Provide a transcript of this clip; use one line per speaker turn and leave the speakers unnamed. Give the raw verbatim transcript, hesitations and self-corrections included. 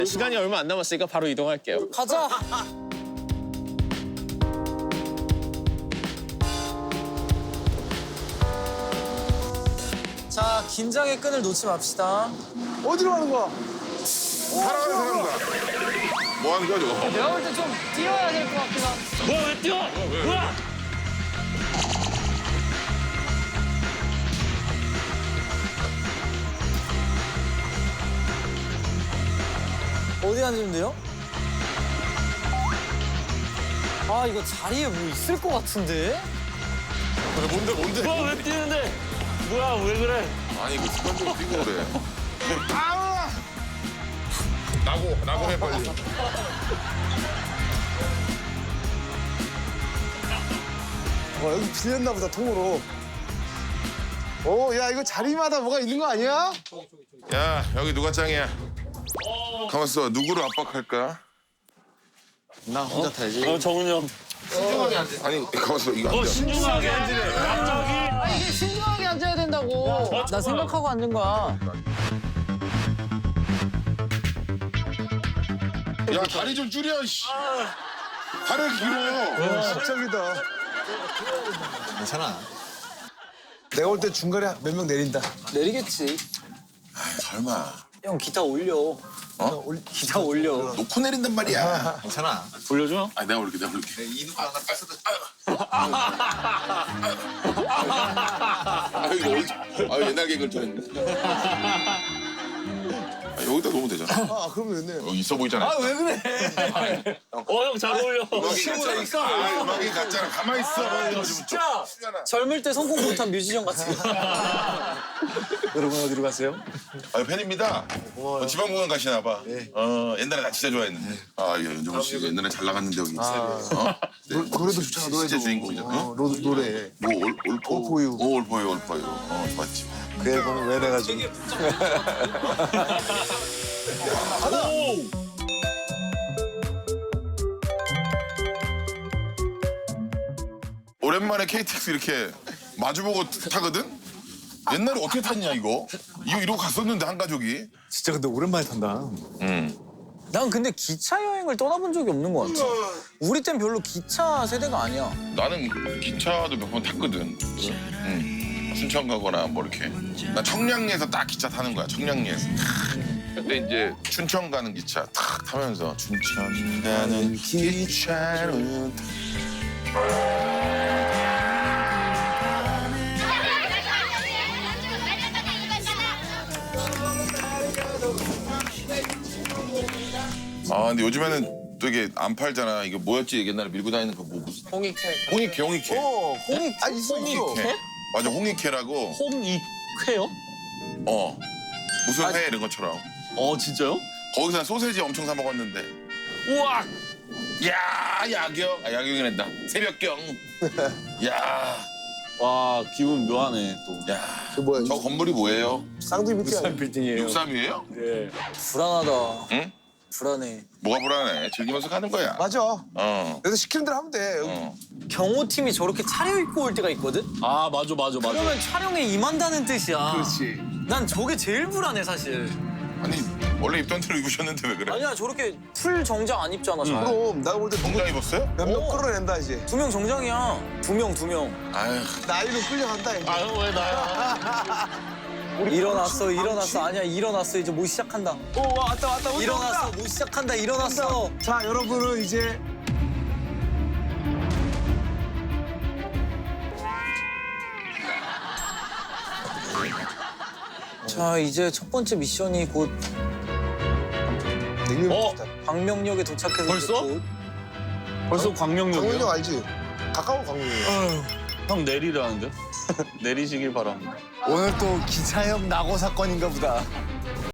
시간이 얼마 안 남았으니까 바로 이동할게요.
가자. 자, 긴장의 끈을 놓지 맙시다.
어디로 가는 거야?
살아가는 사람이다. 뭐 하는 거야 저거?
내가 볼 때 좀 뛰어야 될 것 같긴 한.
뭐야 왜 뛰어? 뭐야?
어디 앉으면 돼요? 아, 이거 자리에 뭐 있을 것 같은데?
뭔데 뭔데?
뭐야 왜 뛰는데? 뭐야 왜 그래?
아니 이거 습관적으로 뛰고 그래. 아! 나고 나고 해 빨리.
어, 여기 빌렸나 보다, 통으로. 오, 야, 이거 자리마다 뭐가 있는 거 아니야?
야 여기 누가 짱이야? 가만 있어. 누구를 압박할까?
나 혼자 타야지.
어 정훈이 형.
아니 가만 있어. 이거 안
어
돼.
신중하게 앉으래. 갑자기.
아, 이게 신중하게 앉아야 된다고. 나 생각하고 앉는 거야.
야 다리 좀 줄여. 씨. 다리를 길어.
십적이다. 괜찮아. 내가 올 때 중간에 몇 명 내린다.
내리겠지.
설마.
형, 기타 올려.
어?
기타 올려.
놓고 내린단 말이야.
괜찮아.
돌려줘?
아 내가 올게 내가 올게.
이누 하나 뺐어도.
아 이거 어디? 아 옛날 개그를 쳤네. 아, 여기다 놓으면 되잖아.
아, 그러면 됐네.
여기 있어 보이잖아.
아, 왜 그래?
어 형 잘 어울려.
음악이 같잖아. 아, 음악이 같잖아. 가만히 있어.
진짜 젊을 때 성공 못한 뮤지션 같은 거.
여러분 어디로 가세요?
아 팬입니다. 어, 지방공연 가시나 봐. 어 옛날에 나 진짜 좋아했는데. 아 예, 연정훈 씨 옛날에 잘 나갔는데 여기. 어? 네.
노, 노래도 좋잖아, 노래도.
진짜 주인공이잖아.
어, 노, 노래.
뭐 올, 올포.
올포유.
오 올포유 올포유. 어 좋았지.
그 앨범을 왜 내가지고.
오랜만에 케이티엑스 이렇게 마주보고 타거든? 옛날에 어떻게 탔냐 이거? 이거 이러고 갔었는데 한 가족이.
진짜 근데 오랜만에 탄다.
응.
난 근데 기차 여행을 떠나본 적이 없는 것 같아. 우리 땐 별로 기차 세대가 아니야.
나는 기차도 몇 번 탔거든. 응. 순천 가거나 뭐 이렇게. 나 청량리에서 딱 기차 타는 거야. 청량리에서. 근데 이제 춘천 가는 기차 탁 타면서 춘천 가는 기차로 아 근데 요즘에는 되게 안 팔잖아. 이거 뭐였지? 옛날에 밀고 다니는 거 뭐 무슨
홍익회.
홍익회 홍익회.
어, 홍익. 아, 있어, 있어.
홍익회. 맞아 홍익회라고.
홈이회요?
어 무슨 회 이런 것처럼.
어 진짜요?
거기서 소세지 엄청 사 먹었는데.
우와.
야 야경. 아 야경이란다. 새벽경. 야.
와 기분 묘하네 또.
야.
저 뭐야?
저 건물이 뭐예요?
쌍둥이 밑에.
빌딩이에요.
육삼이에요?
예.
불안하다.
응?
불안해.
뭐가 불안해? 즐기면서 가는 거야.
맞아.
어.
그래서 시키는 대로 하면 돼.
어.
경호팀이 저렇게 차려입고 올 때가 있거든?
아 맞아 맞아 맞아.
그러면 촬영에 임한다는 뜻이야.
그렇지.
난 저게 제일 불안해, 사실.
아니 원래 입던 대로 입으셨는데 왜 그래?
아니야, 저렇게 풀 정장 안 입잖아, 잘.
그럼 내가 볼 때
정장 입었어요?
몇 명
어.
끌어낸다, 이제.
두 명 정장이야. 두 명, 두 명.
아휴.
나이로 끌려간다, 이제.
아유 왜 나야?
일어났어, 일어났어. 아니야, 일어났어. 이제 못 시작한다.
오, 왔다, 왔다, 온다,
일어났어,
온다.
못 시작한다. 일어났어.
자, 여러분은 이제
자, 이제 첫 번째 미션이 곧
냉면
어?
비슷하다.
광명역에 도착해서
벌써?
이제 곧
벌써 광명역이요?
광명역 알지? 가까운 광명역.
형 내리라는데? 내리시길 바랍니다.
오늘 또 기차역 낙오 사건인가 보다.